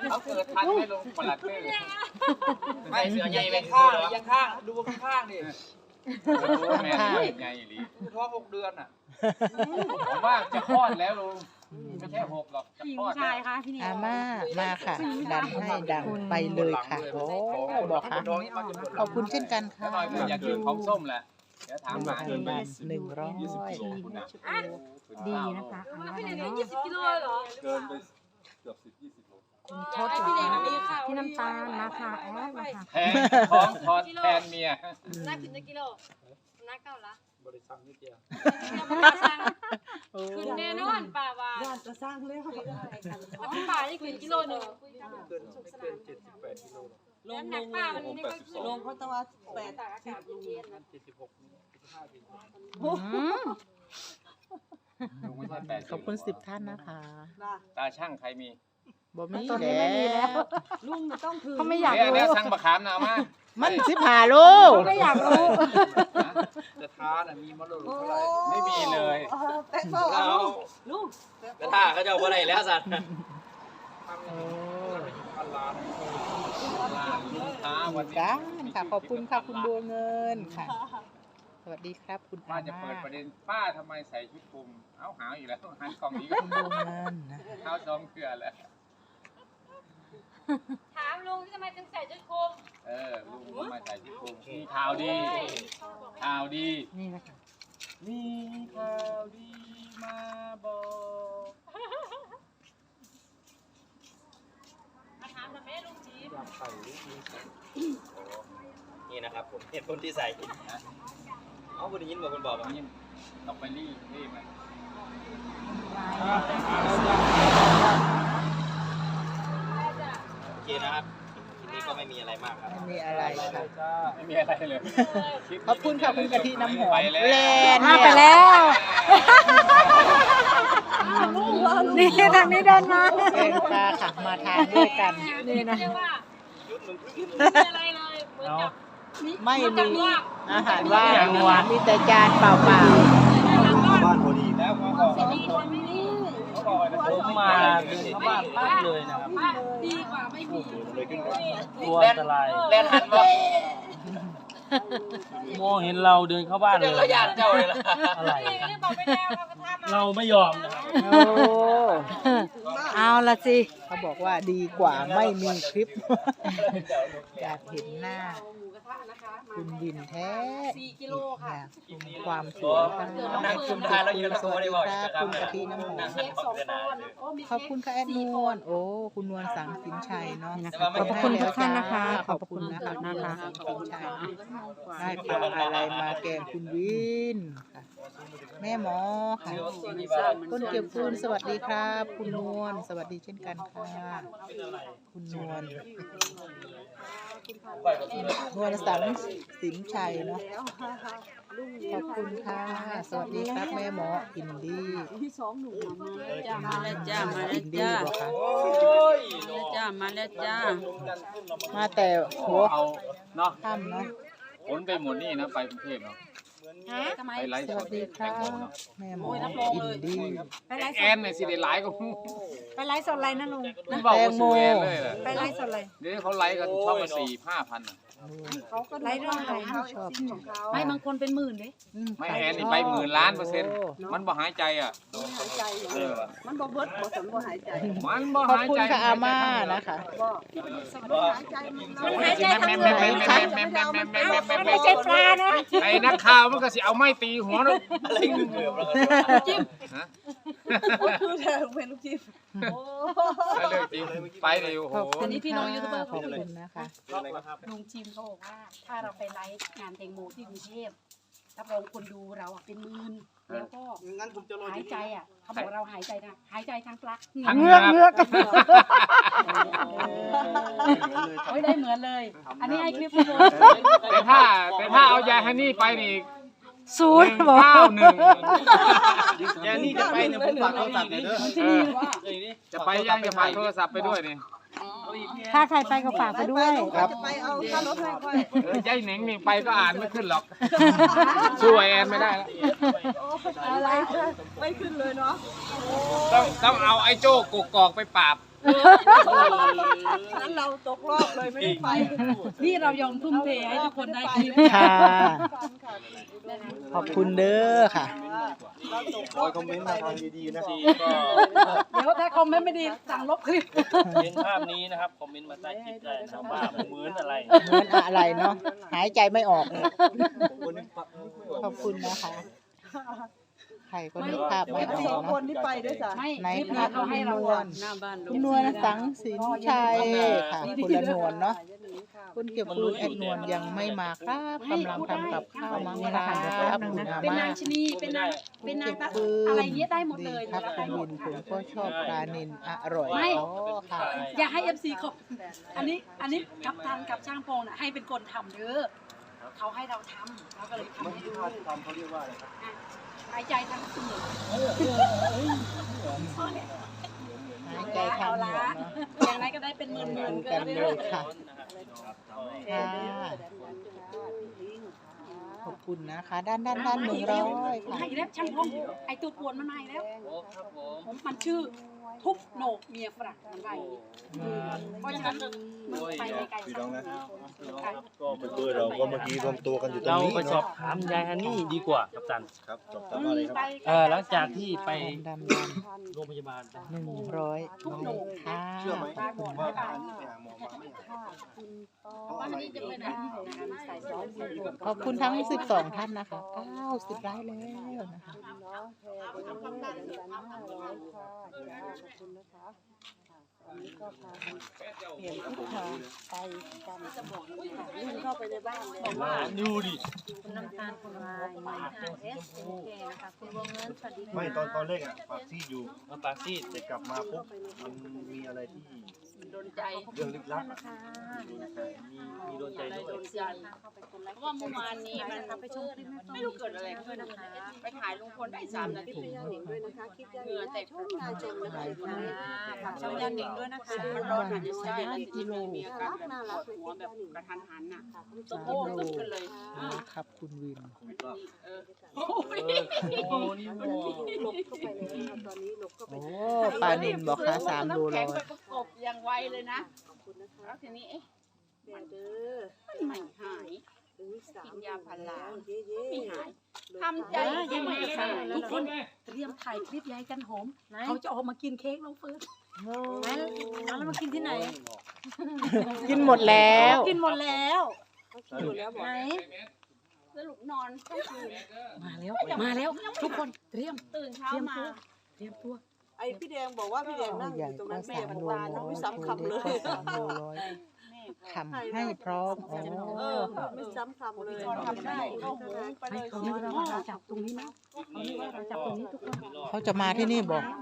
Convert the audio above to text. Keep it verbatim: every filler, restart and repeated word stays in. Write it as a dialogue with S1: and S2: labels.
S1: เขาเกิดทันไม่ลงประหลัดเต้ไม่เสือใหญ่ไป
S2: ข้า
S1: ข้าง ง
S2: ยังข้างดูข้างดิ
S1: แม่ใหญ่หรือ
S2: ท้องหกเดือนอ่ะ
S1: ผมว่าจะคลอดแล้วลุงไม่ใช่หกหรอกจะ
S3: ผู้หญิง
S1: คลอด
S3: ผู้ชายคะพี่นี่
S4: อาม่ามาค่ะ ดันให้ดังไปเลยค่ะโอ้บอกค่ะขอบคุณเช่นกันค่ะ
S1: หน่อยผมอยากกินของส้มแหละเดี๋ยวถามหา
S4: หนึ่งบาทหนึ่งร้อย
S3: ดีนะคะอันนั้น
S5: พี่
S3: อะไร
S5: เด็ก
S3: เนาะ
S5: ยี่สิบกิโลเหรอ
S6: เกินไปเกือบสิบยี่สิบโล
S3: คุณทศเหรอ
S5: พี่เด็ก
S3: คะ
S5: มีข่าว
S3: พี่น้ำตาลมาค่ะแอดมาค่ะ
S1: แทนของทอดแทนเมีย
S5: นักขึ้นได้กิโลนักเก้าละ
S2: บริษัทนิดเดียว
S5: ขึ้นแน่นอนป่าวา
S7: ย่านจะสร้างเรื่อง
S5: ป่านี่ขึ้นกิโลหนึ่ง
S2: เกินไม่เกินเจ็ดสิบแปดกิโล
S7: ลง
S5: น้ำห
S7: ล
S5: นัก
S7: ง
S5: ป้ามันไม่ค่อยขึ้น
S7: ลงเขาตะวันแปด
S5: ตากอากาศเย็น
S2: เจ็ดสิบหกเจ็ดสิบห้ากิโล
S4: อืม
S1: ลุงไม่ใช่แปด
S4: ขอบคุณสิบท่านนะคะ
S7: นะ
S1: ตาช่างใครมี
S4: บ่มี
S3: ตอนนี้ไม่มีแล้ว
S7: ลุงมันต้องถือ
S3: เขาไม่อยาก
S1: เนี่ย
S3: รู้
S1: เนี่ยช่างประคามนะมา
S4: มันสิบห้าลูก
S3: เขาไม่อยากรู้
S2: จะท้าน่ะมีมรดกเท่าไหร่
S1: ไม่มีเลย
S7: แป๊ะเฝ้าเอาลุง
S2: กระท่าเขาจะเอาอะไรแล้วสัตว์
S4: โอ้
S2: พันล้าน
S1: ลูกค้าวันนี้
S4: กันค่ะขอบคุณค่ะคุณบัวเงินค่ะ สวัสดีครับคุณ
S1: ป้า
S4: อา
S1: จะเปิ
S4: ม่า
S1: ดประเด็นป้าทำไมใส่ชุดคลุมเอ้าหาวอีกแล้วหันกล่องนี้ก็
S4: คุณบัวเงินนะ
S1: เท้าซ้อมเกลือแล้ว
S5: ถามลุงทำไมถึงใส่ชุดคลุม
S1: เออลุงทำไมใส่ชุดคลุมมีข่าวดีข่าวดี
S3: นี่นะคะ
S1: มีข่าวดีมาบอก
S5: มาถามทำไมลุงจี
S2: อยากใส่ลูกนี้
S8: นี่นะครับผมเหตุผลที่ใส่เอาบนยินบอกคนบอกว่า
S1: นี่ต้องไปรีบรีบมัน
S8: โอเคนะครับทีนี้ก็ไม่มีอะไรมากครับ
S4: ไม่มีอะไรค่ะ
S2: จ้า
S1: ไม่มีอะไรเลย
S4: ขอบคุณค่ะคุณกะทิน้ำหอม
S1: ไปแล้ว
S4: แลน
S3: มา
S4: เนี่ย
S3: ไปแล้วนี่ทางนี้เดินมา
S4: แกงปลาค่ะมาทานด้วยกัน
S3: นี่นะ
S5: เรียกว่า
S8: ยุดมึง
S5: ไม่อะไรเลยเหมือนกับ
S4: ไม่มีอาหารว่างนะคะมีแต่จานเปล่า
S8: บ้านพอดี
S2: แล้วเขาบอก
S5: สิ่งดีคนไม่ดี
S2: เขาบอกว่าผมมาเดินเข้าบ้านปั๊บเลยนะครับ
S5: ดีกว่าไม่มี
S8: เลยขึ้น
S2: ตัวอันตราย
S8: เล่นหันบอก
S2: มองเห็นเราเดินเข้าบ้านเล
S8: เดิ
S2: ย
S8: นเขาหยาดเจ้าเลยล่ะ
S2: อะไร
S5: นี่ก็เลยบอกไปแล้วเขาก็ทำมา
S2: เราไม่ยอมนะครับ
S4: ๆโอ้
S3: เอาละสิ
S4: เขาบอกว่าดีกว่าไม่มีคลิป อยากเห็นหน้า
S5: หมูกระทะนะคะ
S4: คุณวินแท้
S5: สี่กิโลค่ะ
S4: อยากชมความสวยค่ะ
S8: นั่งคุมได้แล้วยืนแล้วก็ไม่ได้บอก
S4: ครับคุณกะทิน้ำหอม
S5: เค้กสองก้อนโอ้มี
S4: ขอบคุณค่ะแอดนวลโอ้คุณนวลสังสินชัยเนาะ
S3: นี่นะคะขอบคุณทุกท่านนะคะ ขอบคุณนะคะ
S4: นะคะ สินชัยได้ปลาอะไรมาแกงคุณวินค่ะแม่หมอค่ะต้นเก็บฟืนสวัสดีครับ คุณนวลสวัสดีเช่นกันค่ะคุณนวลนวลสังสินชัยเนาะขอบคุณค่ะสวัสดีครับแม่หมออินดี้
S7: ที่สองหนุ่มมา
S9: จ้ามาแล้วจ้ามา
S4: อิ
S9: แล้ว
S4: นดี้
S9: จ้า
S4: บอกค่ะ
S9: แล้วจ้ามาแล้วจ้า
S4: มาแต่หัว
S1: เอาเนาะ
S4: ค่ำเนาะ
S1: ขนไปหมดนี่นะไปกรุงเทพเนาะ
S9: ทำไม
S1: ไปไลฟ์
S4: ส
S1: ส
S4: วั
S1: ด
S4: สดีค
S1: แต
S4: รั
S1: ง
S4: บ
S1: โมเนาะ
S4: แม่หมออินดี้
S3: ไปไลฟ์ส
S1: แอ
S3: ด
S1: นในสิได้ไลฟ์ก็
S3: ไปไลฟ์สดอะไรนะลุง
S1: มันบอกว่าสวยเลยแหละ
S3: ไปไลฟ์สดอะไร
S1: เดี๋ยวเขาไลฟ์กันช่องละสี่ห้าพัน
S7: เขาก็
S3: ไลฟ์เรื่องอะไร
S7: เขาชอบของเขา
S9: ไม่บางคนเป็นหมื่นเด้
S1: ไม่แอนนี่ไปหมื่นล้านเปอร์เซ็นต์มันบ่หายใจอ่ะ
S7: หายใจมันบ่เบิดบ่สมบ่หายใจ
S1: มันบ่
S4: ขอบ
S1: หาย
S4: คุณ
S1: ใจ
S4: ค่ะอาม่านะคะ
S7: บ่หายใจมัน
S3: มันหายใจ
S1: แม่
S3: ทาง
S1: แม่
S3: เหนื
S1: แม่
S3: อ
S1: แม่แม่แม่แม่แม่แม่แม่
S3: มัน
S1: แม่
S3: ไม่ใช่ปลานะ
S1: ไอ้นักข่าวมันก็สิเอาไม้ตีหัวเนาะ
S8: อะไรเกือบแล้วก็
S9: จิ้ม
S1: ฮะ
S7: คือเธอเป็นลูกจิ้ม
S1: ไปเลยจริงไปเลยโอ้โห
S4: ขอบคุณค่ะขอบคุณนะคะ
S9: ลุงจิมเขาบอกว่า ถ้าเราไปไลฟ์งานแตงโมที่กรุงเทพรับรองคนดูเราอะเป็นหมื่นแล้วก็
S2: งั้นผมจะรอ
S9: หายใจอ่ะเขาบอกเราหายใจนะหายใจทางปลั๊ก
S1: ทั้ง
S3: เงื
S1: เงื
S3: อ
S1: อก ก
S3: เงือก
S9: โอ้ยได้เหมือนเลย อันนี้ให้คลิปเลย
S1: แต่ถ้าแต่ถ้าเอายายฮันนี่ไปนี่
S3: ศู
S1: ห
S3: น
S1: นึ่
S3: ย์
S1: ง
S3: บอก
S1: เก้าหนึ่ง
S8: แกนี่จะไปเนี่ยผมฝากโทรศัพท์เลยเด้อ
S9: มันจะมีว่า
S1: จะไปยังจะฝากโทรศัพท์ไปด้วยนี่
S3: ถ้าใครไปก็ฝากไปด้วย
S4: ครับ
S7: จะไปเอาค่ารถให้ค่อย
S1: เออยายเหน่งนี่ไปก็อ่านไม่ขึ้นหรอกช่วยแอนไม่ได้แล้ว
S7: อะไรไม่ขึ้นเลยเนาะ
S1: ต้องต้องเอาไอ้โจ้กกอกไปปราบ
S7: นั้นเราตกรอบเลยไม่ได้ไป
S9: นี่เรายอมทุ่มเทให้ทุกคนได้คลิป
S4: ค่ะ ขอบคุณเด้อค่ะ
S7: เราตกร
S6: ค
S7: อ
S6: อบ ยคอมเมนต์มาทางดีๆนะ
S2: ซีก็
S9: เดี๋ยวถ้าคอมเมนต์ไม่ดีสั่งลบคลิป
S2: เห็นภาพนี้นะครับคอมเมนต์มาใต้คลิปได้นะครับว่าเหมือนอะไร
S4: เหมือนอะไรเนาะ หายใจไม่ออก ขอบคุณนะคะ ใครก็นึกภาพไม่อ
S7: ส
S4: อ
S7: อก งค
S4: เนาะ
S7: นที่ไปด้วยจ้ะ
S9: ไม่
S4: ใน
S9: คลิป
S4: ภา
S9: นี้
S4: พ
S9: เขาให้
S4: น
S9: เรา
S4: ว
S9: อะ
S4: ลคุณนวลสังสินชัยค่ะ คุณละนวลเนาะ คุณเก็บปูนแอดนวลยังไม่มาครับกำลังทำกับข้าวมั้งครับคุณอา
S9: เป็น
S4: ม่า
S9: นางชนีเป็นนางเป็นนาง
S4: เก็บปืน
S9: อะไรเงี้ยได้หมดเลย
S4: ดีครับคุณวินผมก็ชอบปลานิลอร่อยอ๋อค่ะ
S9: อยากให้เอฟซีเขาอันนี้อันนี้กับทางกับช่างพงน่ะให้เป็นคนทำเด้อเขาให้เราทำเราก็เลยทำให้ดู
S6: ทำเขาเรียกว่าอะไรครับ
S9: หายใจทั้งคืน
S4: หายใจทางเหนือเนาะ
S9: อย่างไรก็ได้เป็นหมื่นหมื่น
S4: ดู
S9: ก็
S4: กัน
S9: ได้
S4: เลยค่ะค่ะขอบคุณนะคะ ด้านด้านด้านหนึ่งร้อยค่ะ
S9: ให้แล้วช่างพงไอตัวปวนมันมาอีกแล้ว
S2: โอ้ครับผม
S9: ผมมันชื่อทุบโหนกเมียฝรั่งมันว่าอย่างนี้เพราะฉะนั้นมึงไปไกลๆ
S6: พี่น้องนะ
S2: ก็เหมือน
S6: เบอร์เราก็เมื่อกี้รวมตัวกันอยู่ตรง
S2: เรา
S6: นี้
S2: ไปสอบ
S6: เนาะ
S2: ถามยายฮันนี่ดีกว่ากัปตัน
S6: ครับจบตามอะไรครับ
S2: เออหลังจากที่ไป
S4: ดำด
S2: โรงพยาบาล
S4: ำหนึ่งร้อยค่ะ
S6: เชื่อไหมผมว่าทางนี้ไปหาหมอมาไม่หายเพราะอะไรเดี๋ยวนะ
S4: ขอบคุณทั้งสิบสองท่านนะคะเก้าสิบไลค์แล้วนะคะ
S7: วิ่งเข้าไปในบ้านเลย
S2: มาดูดิ
S3: คุณน้ำตาลคุณวายนายค่ะเอสโอเคนะคะคุณวงเงินสวัสดีค่ะ
S6: ไม่ตอนตอนแรกอ่ะปากซี่อยู่
S2: มาปากซีด
S6: แต่กลับมาปุ๊บมันมีอะไรที่
S9: โดนใจ
S6: เรื่องลึกลับ
S3: นะคะ
S2: มีมีโดนใจด้วย
S9: โดนใจเพราะว่าเมื่อวานนี้มัน
S3: ไปชมคลิปแม่
S9: ไม่รู้เกิดอะไรขึ้นนะคะไปถ่ายลุงพลได้สามนาที
S7: ย่าหนิงด้วยนะคะคลิปย่าหนิงแต่ชมงานชมนะคะ
S3: ฝากช่องยันหนิงด้วยนะคะ
S9: มันร้อนอาจจะใช่แล้วที่มีมีอาการแบบปวดหัวแบบกระทันหันน่ะตะโกนขึ้นกันเลย
S4: ครับคุณวิน
S9: เออ
S2: โอ้โหนี่โอ้
S7: หลบเข้าไปเลยนะคะตอนนี้หลบเข้าไป
S4: โอ้ปลานินบอกค่ะสามโล
S9: แข็
S4: ร้
S9: ง
S4: อย
S9: ไปประกบอย่างไวเลยนะ
S7: ขอบคุณนะคะ
S9: แล้วทีนี้เอ๊ะ
S7: เดี๋ยวเด้อ
S9: ไม่หาย
S7: ถึงสาม
S9: กินยาพารา
S7: เย้เย้
S9: ไม่หายทำใจยังไม่หายทุกคนเตรียมถ่ายคลิปยายกันหอมเขาจะออกมากินเค้กน้องเฟิร์ส
S3: แล้วมากินที่ไหน
S4: กินหมดแล้ว
S3: กินหมดแล้ว
S7: เขาคิดอยู่แล้วบอก
S3: ไหน
S9: สรุปนอนทั้งคืน
S3: มาแล้ว มาแล้ว ทุกคนเตรียม
S9: ตื่นเช้ามา
S3: เตรียมตัว
S7: ไอพี่แดงบอกว่าพี่แดงนั่งอ
S4: ใหญ่
S7: ยู่ตรง
S4: ก็
S7: นั้นแม่
S4: สาม
S7: บอก
S4: โล
S7: ว่า
S4: ร้อย
S7: ไม่ซ้ำคำเลย
S4: เล็กก็สามโลร้อยทำให้พร้อมอ๋อ
S7: เออไม่ซ้ำคำเลย
S9: ทำได้ก็หมูไปเลย
S3: เขานึกว่าเราจับตรงนี้นะเขานึกว่าเราจับตรงนี้ทุกคน
S4: เขาจะมาที่นี่บอก
S9: ใ